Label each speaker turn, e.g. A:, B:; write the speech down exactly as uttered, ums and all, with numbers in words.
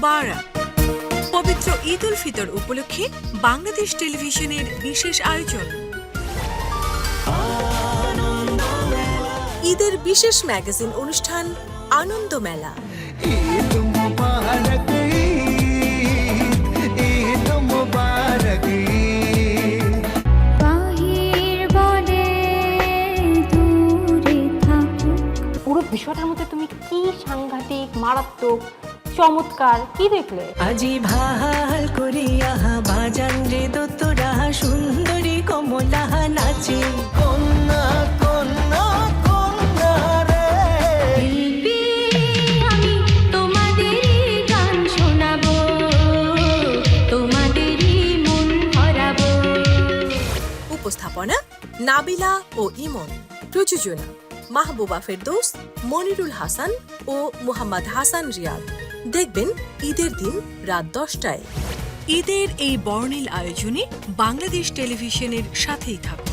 A: মোবারক। পবিত্র ঈদ উল ফিতর উপলক্ষে বাংলাদেশ টেলিভিশনের বিশেষ আয়োজন, ঈদের বিশেষ ম্যাগাজিন অনুষ্ঠান আনন্দ মেলা।
B: ঈদ মুবারক, ঈদ মুবারক।
C: পুরো বিষয়টার মধ্যে তুমি কি সাংঘাতিক, মারাত্মক, চমৎকার কি দেখলে?
D: আজি ভাল করিয়া বাজান রে দোতরা সুন্দরী কমলা নাচে।
B: কন্যা কন্যা কন্যা রে,
C: আমি তোমাদেরই গান শোনাবো, তোমাদেরই মন হারাবো।
A: উপস্থাপনা নাবিলা ও ইমন। প্রযোজনা মাহবুবা ফেরদৌস, মনিরুল হাসান ও মুহাম্মদ হাসান রিয়াদ। দেখবেন ঈদের দিন রাত দশটায়। ঈদের এই বর্ণিল আয়োজনে বাংলাদেশ টেলিভিশনের সাথেই থাকুন।